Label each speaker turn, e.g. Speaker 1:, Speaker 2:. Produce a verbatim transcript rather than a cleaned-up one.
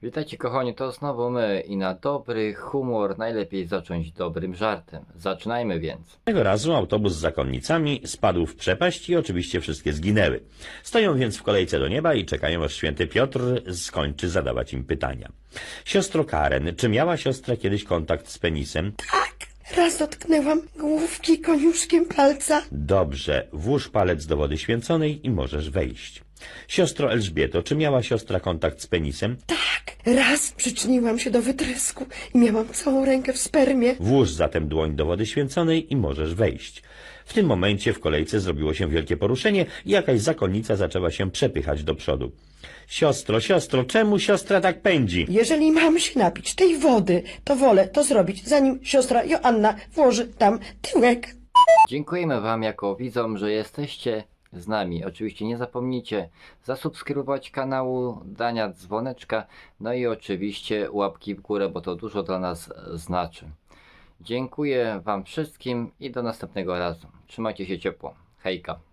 Speaker 1: Witajcie kochani, to znowu my i na dobry humor najlepiej zacząć dobrym żartem. Zaczynajmy więc.
Speaker 2: Tego razu autobus z zakonnicami spadł w przepaść i oczywiście wszystkie zginęły. Stoją więc w kolejce do nieba i czekają, aż święty Piotr skończy zadawać im pytania. Siostro Karen, czy miała siostra kiedyś kontakt z penisem?
Speaker 3: Tak, raz dotknęłam główki koniuszkiem palca.
Speaker 2: Dobrze, włóż palec do wody święconej i możesz wejść. Siostro Elżbieto, czy miała siostra kontakt z penisem?
Speaker 3: Tak, raz przyczyniłam się do wytrysku i miałam całą rękę w spermie.
Speaker 2: Włóż zatem dłoń do wody święconej i możesz wejść. W tym momencie w kolejce zrobiło się wielkie poruszenie i jakaś zakonnica zaczęła się przepychać do przodu. Siostro, siostro, czemu siostra tak pędzi?
Speaker 3: Jeżeli mam się napić tej wody, to wolę to zrobić, zanim siostra Joanna włoży tam tyłek.
Speaker 1: Dziękujemy wam jako widzom, że jesteście z nami. Oczywiście nie zapomnijcie zasubskrybować kanału, dania dzwoneczka, no i oczywiście łapki w górę, bo to dużo dla nas znaczy. Dziękuję wam wszystkim i do następnego razu. Trzymajcie się ciepło. Hejka.